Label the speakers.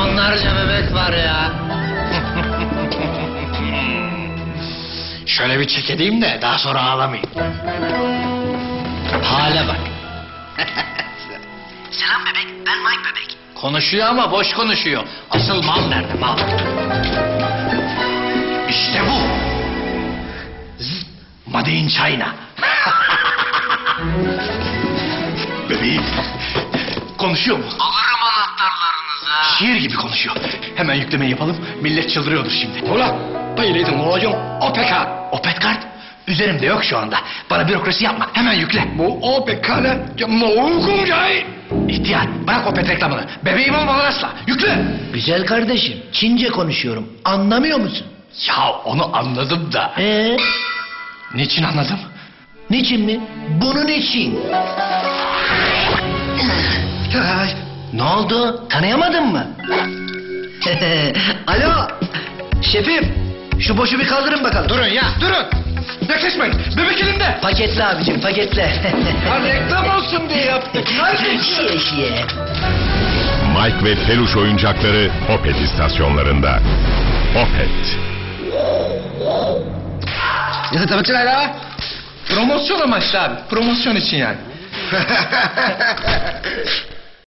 Speaker 1: Milyonlarca bebek var ya.
Speaker 2: Şöyle bir çek edeyim de daha sonra ağlamayın. Hale bak.
Speaker 1: Selam bebek, ben Mike bebek.
Speaker 2: Konuşuyor ama boş konuşuyor. Asıl mal nerede mal? İşte bu. Made in China. Bebeğim. Konuşuyor mu?
Speaker 1: Alırım anahtarlarınızı.
Speaker 2: Şiir gibi konuşuyor. Hemen yükleme yapalım. Millet çıldırıyordur şimdi. Ulan bayılaydın olacağım. Opet kart. Opet kart? Üzerimde yok şu anda. Bana bürokrasi yapma. Hemen yükle. Bu Opet kartı uygun cahil. İhtiyar bırak Opet reklamını. Bebeğim olmadan asla. Yükle.
Speaker 1: Güzel kardeşim, Çince konuşuyorum. Anlamıyor musun?
Speaker 2: Ya onu anladım da. Niçin anladım?
Speaker 1: Niçin mi? Bunun için. Ne oldu? Tanıyamadın mı? Alo, şefim. Şu boşu bir kaldırın bakalım.
Speaker 2: Durun ya durun. Yaklaşmayın. Bebek elimde.
Speaker 1: Paketle abicim, paketle.
Speaker 2: Ha, reklam olsun diye yaptık.
Speaker 1: Şiye şiye.
Speaker 3: Mike ve Peluş oyuncakları Opet istasyonlarında. Opet.
Speaker 2: Ya tabii ki la. Promosyon amaçlı abi. Promosyon için yani.